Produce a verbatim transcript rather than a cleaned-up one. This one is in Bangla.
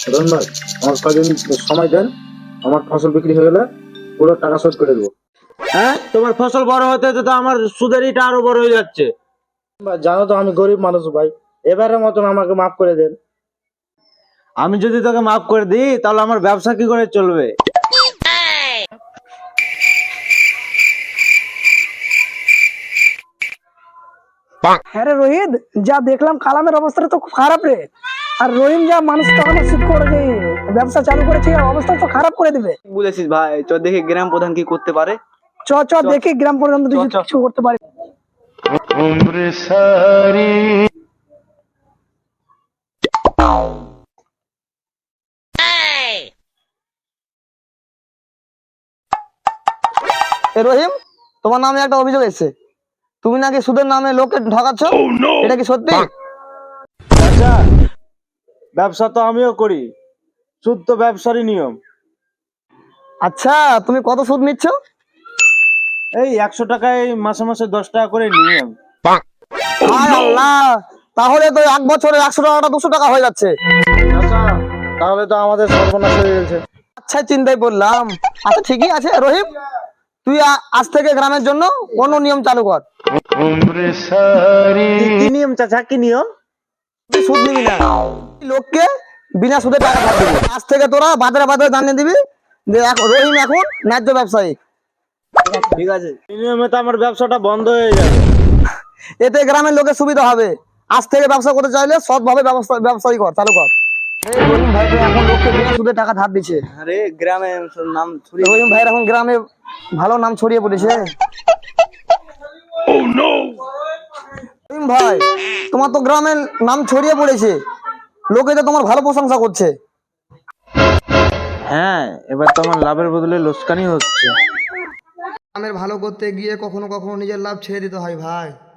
রন ভাই, আমার কদিন সময় দেন, আমার ফসল বিক্রি হয়ে গেলে পুরো টাকা শোধ করে দেবো। হ্যাঁ, তোমার ফসল বড় হতে হতে তো আমার সুদের ইটা আরো বড় হয়ে যাচ্ছে। ভাই, জানো তো আমি গরিব মানুষ ভাই, এবারের মতন আমাকে মাফ করে দেন। আমি যদি তোকে মাফ করে দিই তাহলে আমার ব্যবসা কি করে চলবে? হ্যাঁ রে রোহিত, যা দেখলাম কালামের অবস্থাটা তো খুব খারাপ রে। আর রহিম যা মানুষ তখন শীত করে যে ব্যবসা চালু করেছে, অবস্থা তো খারাপ করে দিবে। বলেছিস ভাই, চ দেখি গ্রাম প্রধান কি করতে পারে। চ চ দেখি গ্রাম পর্যন্ত কিছু করতে পারি। এ রহিম, তোমার নামে একটা অভিযোগ এসেছে, তুমি নাকি সুদের নামে লোককে ঠকাচ্ছ। এটা কি সত্যি? আচ্ছা, ব্যবসা তো আমিও করি, সুদ তো ব্যবসারই নিয়ম। আচ্ছা, তুমি কত সুদ নিচ্ছ? এই একশো টাকায় মাসে মাসে দশ টাকা করে নিই আমি। হায় আল্লাহ, তাহলে তো এক বছরে একশো টাকাটা দুশো টাকা হয়ে যাচ্ছে। আচ্ছা, তাহলে তো আমাদের সর্বনাশ হয়ে গেছে। আচ্ছা, চিন্তায় পড়লাম। আচ্ছা ঠিকই আছে রহিম, তুই আ- আজ থেকে গ্রামের জন্য অন্য নিয়ম চালু কর। কি- কি নিয়ম চাচা, কি নিয়ম? তুই সুদ নিবি না, লোককে বিনা সুদে টাকা ধার দিবি। আজ থেকে তোরা বাজারে বাজারে জানিয়ে দিবি যে এক- রহিম এখন ন্যায্য ব্যবসায়ী। ঠিক আছে, এই নিয়মে তো আমার ব্যবসাটা বন্ধ হয়ে যাবে। এতে গ্রামের লোকের সুবিধা হবে। আজ থেকে ব্যবসা করতে চাইলে সৎভাবে ব্যবসা ব্যবসায়ী কর, চালু কর। এই রহিম ভাই তো এখন লোককে বিনা সুদে টাকা ধার দিচ্ছে। আরে গ্রামে নাম ছড়িয়ে রহিম ভাইয়ের এখন গ্রামে ভালো নাম ছড়িয়ে পড়েছে। রহিম ভাই, তোমার তো গ্রামের নাম ছড়িয়ে পড়েছে, লোকে তো তোমার ভালো প্রশংসা করছে। হ্যাঁ, এবার তো আমার লাভের বদলে লোকসানই হচ্ছে। গ্রামের ভালো করতে গিয়ে কখনো কখনো নিজের লাভ ছেড়ে দিতে হয় ভাই।